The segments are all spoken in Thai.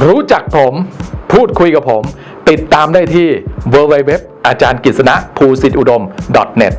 รู้จักผมพูดคุยกับผมติดตามได้ที่ www อาจารย์กฤษณะภูสิทธิอุดม .net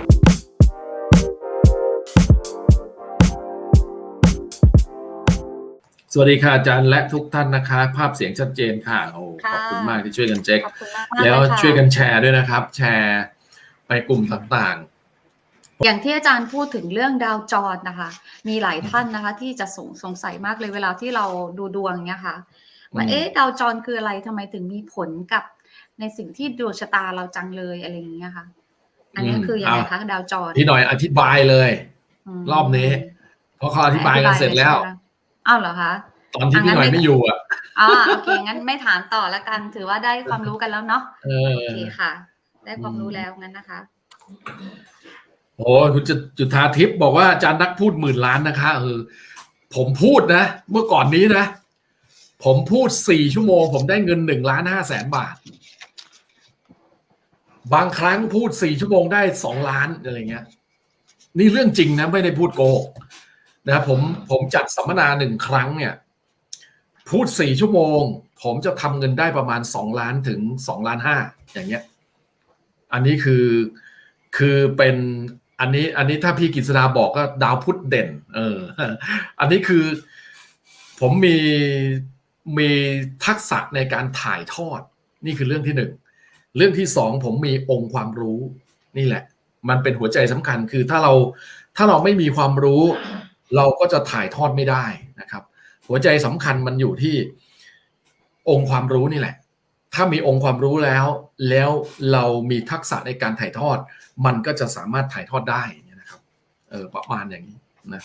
สวัสดีค่ะอาจารย์และทุกท่านนะคะภาพเสียงชัดเจนค่ะโอ้ขอบคุณมากที่ช่วยกันเช็คแล้วช่วยกันแชร์ด้วยนะครับแชร์ไปกลุ่มต่างๆอย่างที่อาจารย์พูดถึงเรื่องดาวจรนะคะมีหลายท่านนะคะที่จะสงสัยมากเลยเวลาที่เราดูดวงเนี่ยค่ะว่าดาวจรคืออะไรทำไมถึงมีผลกับในสิ่งที่ดวงชะตาเราจังเลยอะไรอย่างเงี้ยค่ะอันนี้คือยังไงคะดาวจรพี่หน่อยอธิบายเลยรอบนี้เพราะเขาอธิบายกันเสร็จแล้วอ้าวเหรอคะตอนที่พี่หน่อยไม่อยู่อ่ะโอเคงั้นไม่ถามต่อแล้วกันถือว่าได้ความรู้กันแล้วเนาะโอเคค่ะได้ความรู้แล้วงั้นนะคะโอ้คุณจุฑาทิพย์บอกว่าอาจารย์นักพูด10,000,000,000นะคะผมพูดนะเมื่อก่อนนี้นะผมพูด4 ชั่วโมงผมได้เงิน1,500,000 บาทบางครั้งพูด4 ชั่วโมงได้2 ล้านอะไรเงี้ยนี่เรื่องจริงนะไม่ได้พูดโกหกนะผมจัดสัมมนา1 ครั้งเนี่ยพูด4 ชั่วโมงผมจะทำเงินได้ประมาณ2 ล้านถึง2.5 ล้านอย่างเงี้ยอันนี้คือเป็นอันนี้ถ้าพี่กฤษณาบอกก็ดาวพุธเด่นอันนี้คือผมมีทักษะในการถ่ายทอดนี่คือเรื่องที่1เรื่องที่2ผมมีองค์ความรู้นี่แหละมันเป็นหัวใจสำคัญคือถ้าเราไม่มีความรู้เราก็จะถ่ายทอดไม่ได้นะครับหัวใจสำคัญมันอยู่ที่องค์ความรู้นี่แหละถ้ามีองค์ความรู้แล้วเรามีทักษะในการถ่ายทอดมันก็จะสามารถถ่ายทอดได้นะครับประมาณอย่างนี้นะ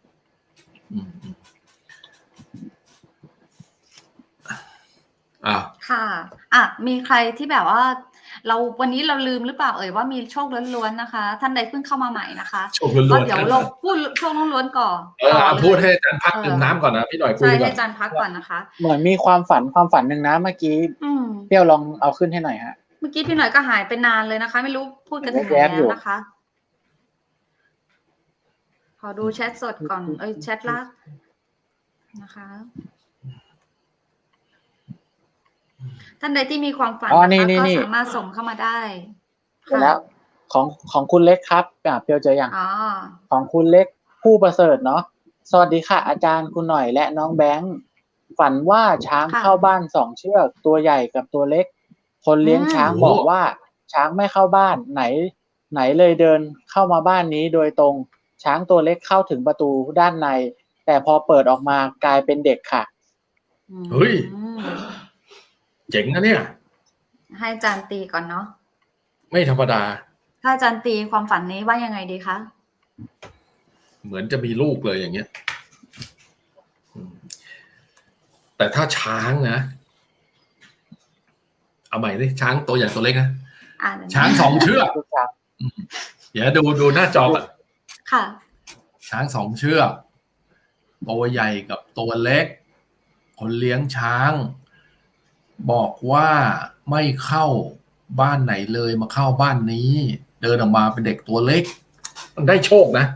ค่ะมีใครที่แบบว่าวันนี้เราลืมหรือเปล่าว่ามีโชคล้วนๆนะคะท่านใดเพิ่งเข้ามาใหม่นะคะโชคล้วนๆเดี๋ยวเราพูดโชคล้วนๆก่อนพูดให้อาจารย์พักดื่มน้ำก่อนนะพี่หน่อยคุยก่อนใช่ให้อาจารย์พักก่อนนะคะเหมือนมีความฝันหนึ่งนะเมื่อกี้เปรี้ยวลองเอาขึ้นให้หน่อยฮะเมื่อกี้พี่หน่อยก็หายไปนานเลยนะคะไม่รู้พูดกันถึงไหนแล้วนะคะขอดูแชทสดก่อนแชทลับนะคะท่านใดที่มีความฝันก็สามารถส่งเข้ามาได้แล้วของคุณเล็กครับเปียวเจออย่างของคุณเล็กผู้ประเสริฐเนาะสวัสดีค่ะอาจารย์คุณหน่อยและน้องแบงค์ฝันว่าช้างเข้าบ้าน2 เชือกตัวใหญ่กับตัวเล็กคนเลี้ยงช้างบอกว่าช้างไม่เข้าบ้านไหนเลยเดินเข้ามาบ้านนี้โดยตรงช้างตัวเล็กเข้าถึงประตูด้านในแต่พอเปิดออกมากลายเป็นเด็กค่ะเฮ้ยเจ๋งนะเนี่ยให้อาจารย์ตีก่อนเนาะไม่ธรรมดาถ้าอาจารย์ตีความฝันนี้ว่ายังไงดีคะเหมือนจะมีลูกเลยอย่างเงี้ยแต่ถ้าช้างนะเอาใหม่ดิช้างตัวใหญ่ตัวเล็กนะช้าง2 เชือกเดี๋ยวดูหน้าจอก่อนค่ะช้าง2 เชือกตัวใหญ่กับตัวเล็กคนเลี้ยงช้างบอกว่าไม่เข้าบ้านไหนเลยมาเข้าบ้านนี้เดินออกมาเป็นเด็กตัวเล็กมันได้โชคนะ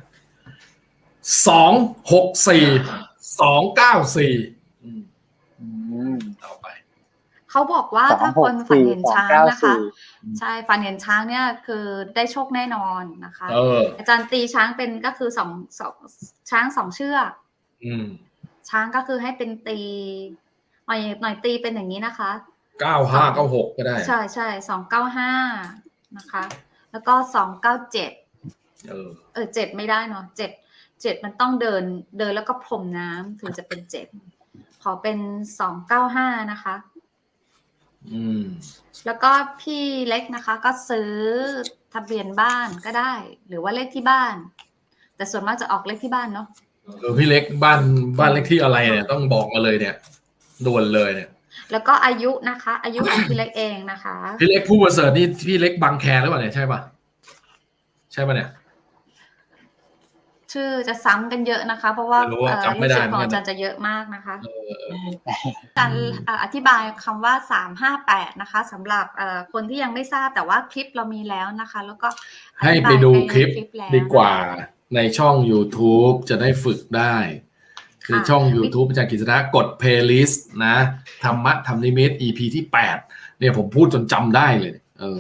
264 294ต่อไปเขาบอกว่าถ้าคนฝันเห็นช้างนะคะใช่ฝันเห็นช้างเนี่ยคือได้โชคแน่นอนนะคะอาจารย์ตีช้างเป็นก็คือช้าง2 เชือกช้างก็คือให้เป็นตีหน่อยตีเป็นอย่างนี้นะคะ 9596ก็ได้ใช่295นะคะแล้วก็2977ไม่ได้เนาะ7มันต้องเดินแล้วก็พรมน้ำถึงจะเป็น7ขอเป็น295นะคะแล้วก็พี่เล็กนะคะก็ซื้อทะเบียนบ้านก็ได้หรือว่าเลขที่บ้านแต่ส่วนมากจะออกเลขที่บ้านเนาะพี่เล็กบ้านเลขที่อะไรเนี่ยต้องบอกมาเลยเนี่ยด่วนเลยเนี่ยแล้วก็อายุนะคะอายุของพี่เล็กเองนะคะพี่เล็กผู้ประเสริฐนี่พี่เล็กบางแคหรือเปล่าเนี่ยใช่ป่ะเนี่ยชื่อจะซ้ำกันเยอะนะคะเพราะว่าลูกศิษย์ของอาจารย์จะเยอะมากนะคะการอธิบายคำว่า358นะคะสำหรับคนที่ยังไม่ทราบแต่ว่าคลิปเรามีแล้วนะคะแล้วก็ให้ไปดูคลิปดีกว่าในช่อง YouTube จะได้ฝึกได้คือช่อง YouTube อาจารย์กฤษณะกด playlist นะธรรมะธรรมนิมิต EP ที่8เนี่ยผมพูดจนจำได้เลย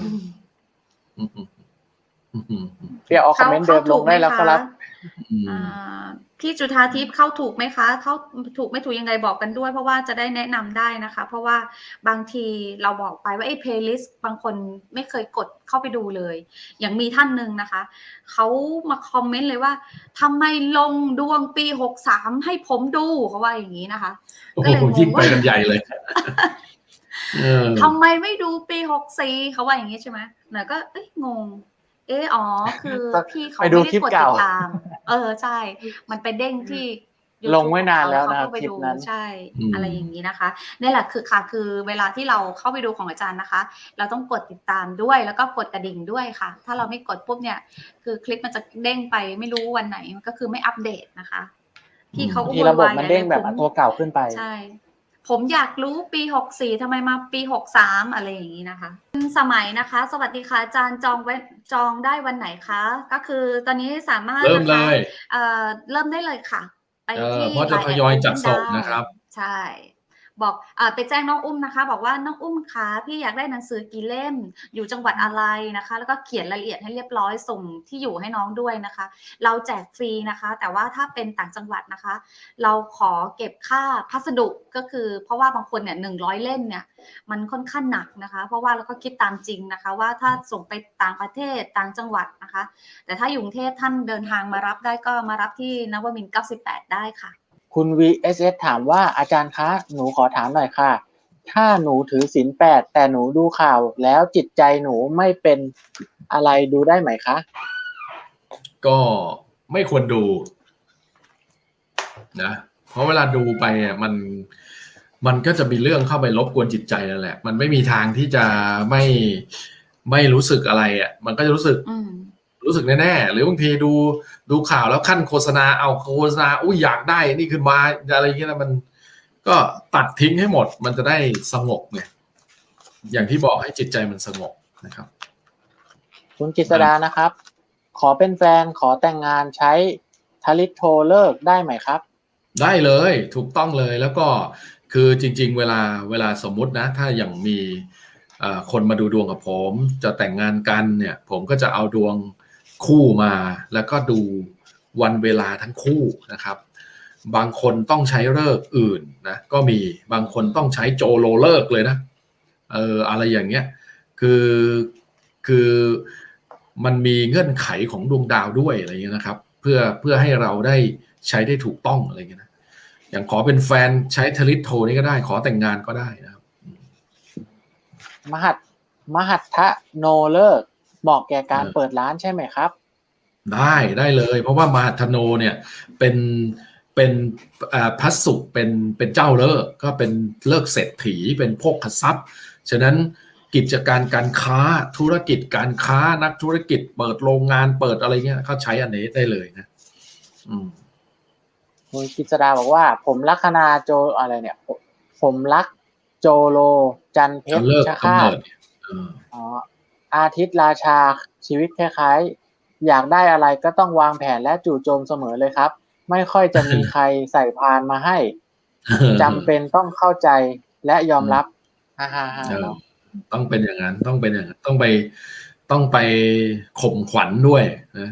เดี๋ยวเอาคอมเมนต์เดิมลงได้แล้วครับพี่จุฑาทิพย์เข้าถูกไหมคะเข้าถูกไม่ถูกยังไงบอกกันด้วยเพราะว่าจะได้แนะนำได้นะคะเพราะว่าบางทีเราบอกไปว่าเพลย์ลิสต์บางคนไม่เคยกดเข้าไปดูเลยอย่างมีท่านหนึ่งนะคะเขามาคอมเมนต์เลยว่าทำไมลงดวงปี63ให้ผมดูเขาว่าอย่างนี้นะคะก็เลยยิ่งไปกันใหญ่เลยทำไมไม่ดูปี64เขาว่าอย่างนี้ใช่ไหมหน่อยก็งงอ๋อคือพี่เขาไม่ได้กดติดตามใช่มันไปเด้งที่ลงไว้นานแล้วนะครับคลิปนั้นใช่อะไรอย่างนี้นะคะนี่แหละคือเวลาที่เราเข้าไปดูของอาจารย์นะคะเราต้องกดติดตามด้วยแล้วก็กดกระดิ่งด้วยค่ะถ้าเราไม่กดปุ๊บเนี่ยคือคลิปมันจะเด้งไปไม่รู้วันไหนมันก็คือไม่อัปเดตนะคะพี่เขาที่ระบบมันเด้งแบบตัวเก่าขึ้นไปใช่ผมอยากรู้ปี64ทำไมมาปี63อะไรอย่างนี้นะคะสมัยนะคะสวัสดีค่ะอาจารย์จองได้วันไหนคะก็คือตอนนี้สามารถเริ่มเลยเริ่มได้เลยค่ะไปที่เพราะจะทยอยจัดส่งนะครับใช่บอกไปแจ้งน้องอุ้มนะคะบอกว่าน้องอุ้มคะพี่อยากได้หนังสือกี่เล่มอยู่จังหวัดอะไรนะคะแล้วก็เขียนรายละเอียดให้เรียบร้อยส่งที่อยู่ให้น้องด้วยนะคะเราแจกฟรีนะคะแต่ว่าถ้าเป็นต่างจังหวัดนะคะเราขอเก็บค่าพัสดุก็คือเพราะว่าบางคนเนี่ย100เล่มเนี่ยมันค่อนข้างหนักนะคะเพราะว่าเราก็คิดตามจริงนะคะว่าถ้าส่งไปต่างประเทศต่างจังหวัดนะคะแต่ถ้าอยู่กรุงเทพท่านเดินทางมารับได้ก็มารับที่นวมินทร์98ได้ค่ะคุณ VSS ถามว่าอาจารย์คะหนูขอถามหน่อยค่ะถ้าหนูถือศีล8แต่หนูดูข่าวแล้วจิตใจหนูไม่เป็นอะไรดูได้ไหมคะก็ไม่ควรดูนะเพราะเวลาดูไปมันก็จะมีเรื่องเข้าไปรบกวนจิตใจนั่นแหละมันไม่มีทางที่จะไม่รู้สึกอะไรมันก็จะรู้สึกแน่ๆหรือบางทีดูข่าวแล้วขั้นโฆษณาเอาโฆษณาอยากได้นี่ขึ้นมาอะไรอย่างเงี้ยมันก็ตัดทิ้งให้หมดมันจะได้สงบเนี่ยอย่างที่บอกให้จิตใจมันสงบนะครับคุณกฤษดานะครับขอเป็นแฟนขอแต่งงานใช้ทลิตโทรเลิกได้ไหมครับได้เลยถูกต้องเลยแล้วก็คือจริงๆเวลาสมมุตินะถ้าอย่างมีคนมาดูดวงกับผมจะแต่งงานกันเนี่ยผมก็จะเอาดวงคู่มาแล้วก็ดูวันเวลาทั้งคู่นะครับบางคนต้องใช้ฤกษ์อื่นนะก็มีบางคนต้องใช้โจโลฤกษ์เลยนะอะไรอย่างเงี้ยคือมันมีเงื่อนไขของดวงดาวด้วยอะไรเงี้ยนะครับเพื่อให้เราได้ใช้ได้ถูกต้องอะไรเงี้ยนะอย่างขอเป็นแฟนใช้ทลิตโทนี่ก็ได้ขอแต่งงานก็ได้นะครับมหัตถะโนเลิกเหมาะแก่การเปิดร้านใช่ไหมครับได้เลยเพราะว่ามหัตถโนเนี่ยเป็นพระศุกร์เป็นเจ้าเลิกก็เป็นเลิกเศรษฐีเป็นโภคทรัพย์ฉะนั้นกิจการค้าธุรกิจการค้านักธุรกิจเปิดโรงงานเปิดอะไรเงี้ยเขาใช้อันนี้ได้เลยนะคุณกฤษดาบอกว่าผมลัคนาโจอะไรเนี่ยผมรักโจโลจันเพชรชะฆาตอาทิตย์ราชาชีวิตคล้ายๆอยากได้อะไรก็ต้องวางแผนและจู่โจมเสมอเลยครับไม่ค่อยจะมีใครใส่พานมาให้จำเป็นต้องเข้าใจและยอมรับต้องเป็นอย่างนั้นต้องไปข่มขวัญด้วยนะ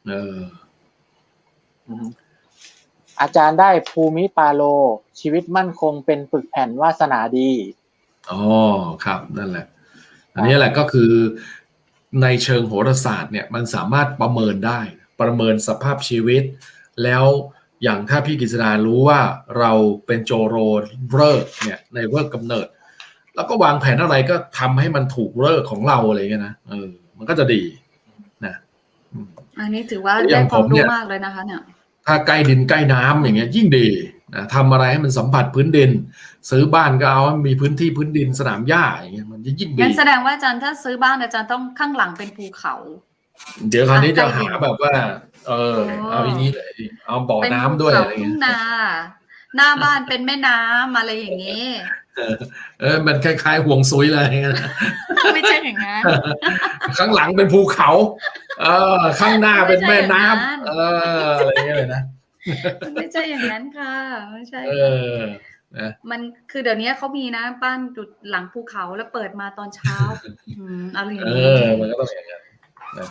อาจารย์ได้ภูมิปาโลชีวิตมั่นคงเป็นปึกแผ่นวาสนาดีครับนั่นแหละอันนี้แหละก็คือในเชิงโหราศาสตร์เนี่ยมันสามารถประเมินได้ประเมินสภาพชีวิตแล้วอย่างถ้าพี่กฤษดารู้ว่าเราเป็นโจโรฤกษ์เนี่ยในฤกษ์กำเนิดแล้วก็วางแผนอะไรก็ทำให้มันถูกฤกษ์ของเราอะไรเงี้ยนะมันก็จะดีนะอันนี้ถือว่าได้ความรู้มากเลยนะคะเนี่ยถ้าใกล้ดินใกล้น้ำอย่างเงี้ยยิ่งดีนะทำอะไรให้มันสัมผัสพื้นดินซื้อบ้านก็เอามีพื้นที่พื้นดินสนามหญ้าอย่างเงี้ยมันยิ่งดีงั้นแสดงว่าอาจารย์ถ้าซื้อบ้านอาจารย์ต้องข้างหลังเป็นภูเขาเดี๋ยวคราวนี้จะหาแบบว่าเอาอย่างนี้เลยเอาบ่อน้ำด้วยอะไรเงี้ยหน้าบ้านเป็นแม่น้ำอะไรอย่างเงี้ยมันคล้ายๆห่วงซุยอะไรเงี้ยไม่ใช่อย่างนั้นข้างหลังเป็นภูเขาข้างหน้าเป็นแม่น้ำอะไรเงี้ยเลยนะมันไม่ใช่อย่างนั้นค่ะไม่ใช่เอค่ะอนะมันคือเดี๋ยวนี้เขามีนะบ้านอยู่หลังภูเขาแล้วเปิดมาตอนเช้าอะไรอย่างนี้มันก็ต้องอย่างนั้นนะ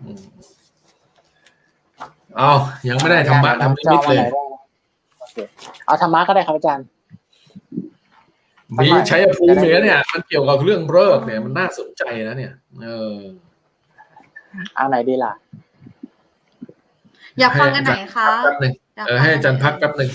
เอายังไม่ได้ธรรมะทำนิมิตเลยโอเคเอาธรรมะก็ได้ครับอาจารย์มีชัยภูมิเนี่ยมันเกี่ยวกับเรื่องเลิกษ์เนี่ยมันน่าสนใจนะเนี่ยเอาไหนดีล่ะอยากฟังกันไหนคะแป๊บนึงให้อาจารย์พักแป๊บนึง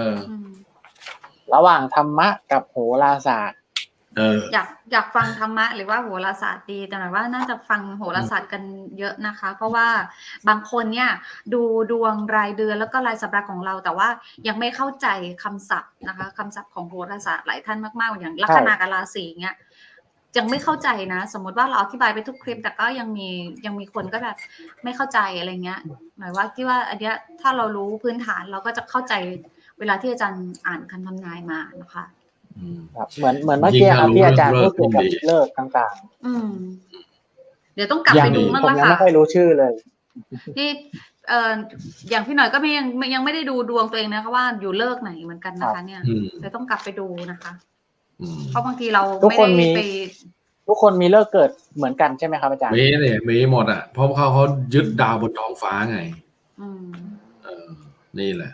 ระหว่างธรรมะกับโหราศาสตร์อยากฟังธรรมะหรือว่าโหราศาสตร์ดีแต่หมายว่าน่าจะฟังโหราศาสตร์กันเยอะนะคะ เพราะว่าบางคนเนี่ยดูดวงรายเดือนแล้วก็รายสัปดาห์ของเราแต่ว่ายังไม่เข้าใจคำศัพท์นะคะคำศัพท์ของโหราศาสตร์หลายท่านมากๆอย่างลัคนากับราศีเนี่ยยังไม่เข้าใจนะสมมติว่าเราอธิบายไปทุกคลิปแต่ก็ยังมีคนก็แบบไม่เข้าใจอะไรเงี้ยหมายว่าที่ว่าอันเนี้ยถ้าเรารู้พื้นฐานเราก็จะเข้าใจเวลาที่อาจารย์อ่านคำทำนายมานะคะเหมือนเมื่อกี้ครับที่อาจารย์พูดเกี่ยวกับเลิกต่างๆเดี๋ยวต้องกลับไปดูมั่งละค่ะผมยังไม่ค่อยรู้ชื่อเลยที่อย่างพี่หน่อยก็ยังไม่ได้ดูดวงตัวเองนะคะว่าอยู่เลิกไหนเหมือนกันนะคะเนี่ยเดี๋ยวต้องกลับไปดูนะคะเพราะบางทีเราไม่ได้ไปทุกคนมีเลิกเกิดเหมือนกันใช่ไหมครับอาจารย์มีหมดอ่ะเพราะเขายึดดาวบนท้องฟ้าไงนี่แหละ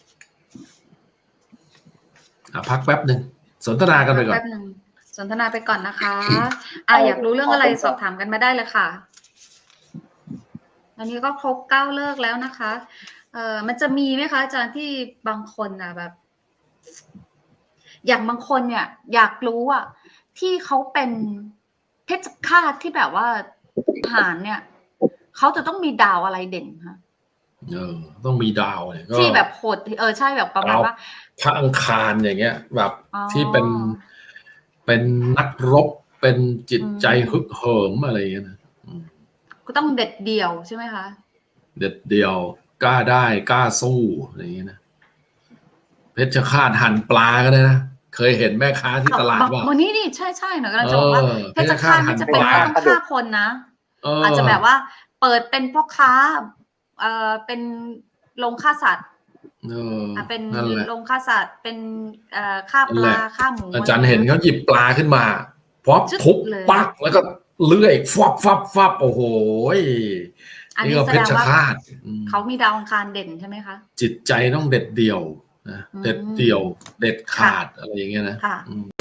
พักแป๊บหนึ่งสนทนากันไปก่อนสนทนาไปก่อนนะคะอยากรู้เรื่องอะไรสอบถามกันมาได้เลยค่ะอันนี้ก็ครบ9เลิกแล้วนะคะมันจะมีไหมคะอาจารย์ที่บางคนแบบ อย่างบางคนเนี่ยอยากรู้อ่ะที่เขาเป็นเพชฌฆาตที่แบบว่าหารเนี่ยเขาจะต้องมีดาวอะไรเด่นคะต้องมีดาวเนี่ยที่แบบโหดใช่แบบประมาณว่าพระอังคารอย่างเงี้ยแบบที่เป็นนักรบเป็นจิตใจฮึกเหิมอะไรอย่างเงี้ยนะก็ต้องเด็ดเดี่ยวใช่ไหมคะเด็ดเดี่ยวกล้าได้กล้าสู้อะไรอย่างเงี้ยนะเพชฌฆาตหั่นปลาก็ได้นะเคยเห็นแม่ค้าที่ตลาดว่าวันนี้นี่ใช่หนูกำลังจะบอกว่าเพชฌฆาตนี่จะเป็นต้องฆ่าคนนะอาจจะแบบว่าเปิดเป็นพ่อค้าเป็นโรงฆ่าสัตว์เป็นโรงฆ่าสัตว์เป็นฆ่าปลาฆ่าหมูอาจารย์เห็นเขาหยิบปลาขึ้นมาพร้อมทุบปักแล้วก็เลื่อยฟับโอ้โหนี่ก็เพชฌฆาตเขามีดาวอังคารเด่นใช่ไหมคะจิตใจต้องเด็ดเดี่ยวนะเด็ดเดี่ยวเด็ดขาดอะไรอย่างเงี้ยนะ